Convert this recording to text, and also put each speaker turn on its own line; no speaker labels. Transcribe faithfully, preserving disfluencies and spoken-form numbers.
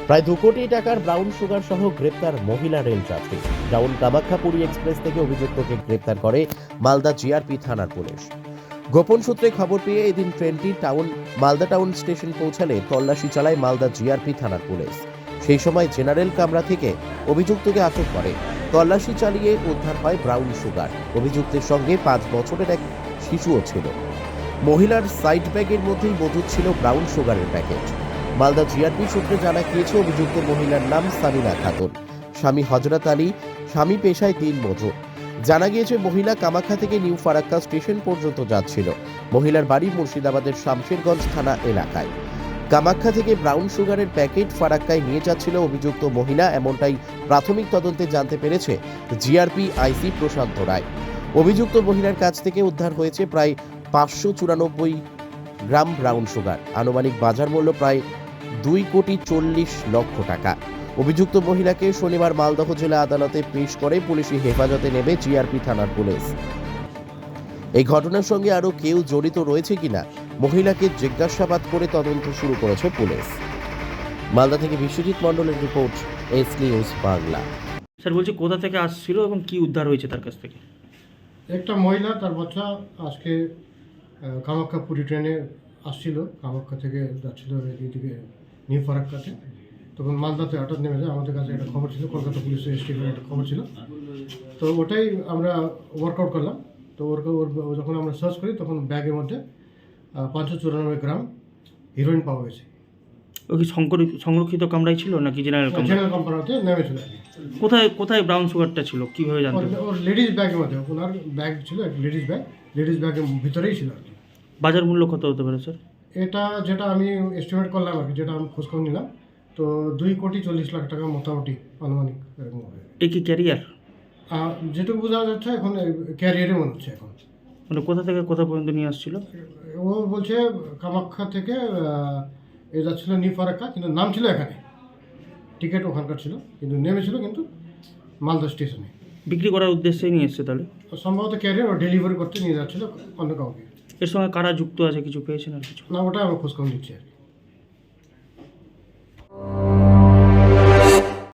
প্রায় দু কোটি টাকার ব্রাউন সুগার সহ গ্রেপ্তার মহিলা রেল যাত্রী। টাউন কামাখ্যাপুরী এক্সপ্রেস থেকে অভিযুক্তকে গ্রেপ্তার করে মালদা জিআরপি থানার পুলিশ। গোপন সূত্রে খবর পেয়ে এদিন ট্রেনটি টাউন মালদা টাউন স্টেশন পৌঁছালে তল্লাশি চালায় মালদা জিআরপি থানার পুলিশ। সেই সময় জেনারেল কামরা থেকে অভিযুক্তকে আটক করে। তল্লাশি চালিয়ে উদ্ধার হয় ব্রাউন সুগার। অভিযুক্তের সঙ্গে পাঁচ বছরের এক শিশুও ছিল। মহিলার সাইড ব্যাগের মধ্যেই মজুদ ছিল ব্রাউন সুগারের প্যাকেট। মালদা জিআরপি সূত্রে জানা গিয়েছে অভিযুক্ত মহিলার নাম সামিনা খাতুন, স্বামী হযরত আলী, স্বামী পেশায় দিন মজুর। জানা গিয়েছে মহিলা কামাখ্যা থেকে নিউ ফারাক্কা স্টেশন পর্যন্ত যাচ্ছিল। মহিলার বাড়ি মুর্শিদাবাদের শামশেরগঞ্জ থানা এলাকায়। কামাখ্যা থেকে ব্রাউন সুগারের প্যাকেট ফারাক্কায় নিয়ে যাচ্ছিল অভিযুক্ত মহিলা, এমনটাই প্রাথমিক তদন্তে জানতে পেরেছে জিআরপি আইসি প্রশান্ত রায়। অভিযুক্ত মহিলার কাছ থেকে উদ্ধার হয়েছে প্রায় পাঁচশো চুরানব্বই গ্রাম ব্রাউন সুগার, আনুমানিক বাজার মূল্য প্রায় দুই কোটি চল্লিশ লক্ষ টাকা। অভিযুক্ত মহিলাকে শনিবার মালদহ জেলা আদালতে পেশ করে পুলিশি হেফাজতে নেবে জিআরপি থানার পুলিশ। এই ঘটনার সঙ্গে আরো কেউ জড়িত রয়েছে কিনা মহিলাকে জিজ্ঞাসাবাদ করে তদন্ত শুরু করেছে পুলিশ। মালদা থেকে বিশ্বজিৎ মণ্ডলের report, S news Bangla.
Sir বলছি কোথা থেকে আসছিল এবং কি উদ্ধার হয়েছে তার কাছ থেকে?
একটা মহিলা তার বাচ্চা আজকে আহ, কামাখ্যা পুরী ট্রেনে আসছিল, কামাখ্যা থেকে যাচ্ছিল এইদিকে নিউ ফারাক্কাতে। তখন মালদাতে হঠাৎ নেমে যায়। আমাদের কাছে একটা খবর ছিল, কলকাতা পুলিশের স্টেশনের একটা খবর ছিল, তো ওটাই আমরা ওয়ার্কআউট করলাম। তো ওর যখন আমরা সার্চ করি তখন ব্যাগের মধ্যে পাঁচশো চুরানব্বই গ্রাম হিরোইন পাওয়া গেছে।
ও কি সংরক্ষিত কামরাই ছিল নাকি জেনারেল কামরা?
জেনারেল কোম্পানিতে নেমেছিল।
কোথায় কোথায় ব্রাউন সুগারটা ছিল কিভাবে জানতে?
ওর লেডিস ব্যাগের মধ্যে, ওনার ব্যাগ ছিল এক লেডিস ব্যাগ, লেডিস ব্যাগের ভিতরেই ছিল আর কি।
বাজার মূল্য কত হতে পারে স্যার?
এটা যেটা আমি এস্টিমেট করলাম আর কি, যেটা আমি খোঁজখবর নিলাম, তো দুই কোটি চল্লিশ লাখ টাকা মোটামুটি আনুমানিক এরকম হবে।
এ কি ক্যারিয়ার?
যেটুকু বোঝা যাচ্ছে এখন ক্যারিয়ারে মনে হচ্ছে এখন।
মানে কোথা থেকে কোথা পর্যন্ত নিয়ে আসছিল?
ও বলছে কামাখ্যা থেকে এ যাচ্ছিল নিউ ফারাক্কা, কিন্তু নাম ছিল এখানে, টিকিট ওখানকার ছিল, কিন্তু নেমেছিল কিন্তু মালদা স্টেশনে।
বিক্রি করার উদ্দেশ্যেই নিয়ে এসছে তাহলে?
সম্ভবত ক্যারিয়ার ও ডেলিভারি করতে নিয়ে যাচ্ছিল অন্য কাউকে।
এর সঙ্গে কারা যুক্ত আছে কিছু পেয়েছেন আর কিছু?
না, ওটা আমি খোঁজখবর নিচ্ছি আর কি।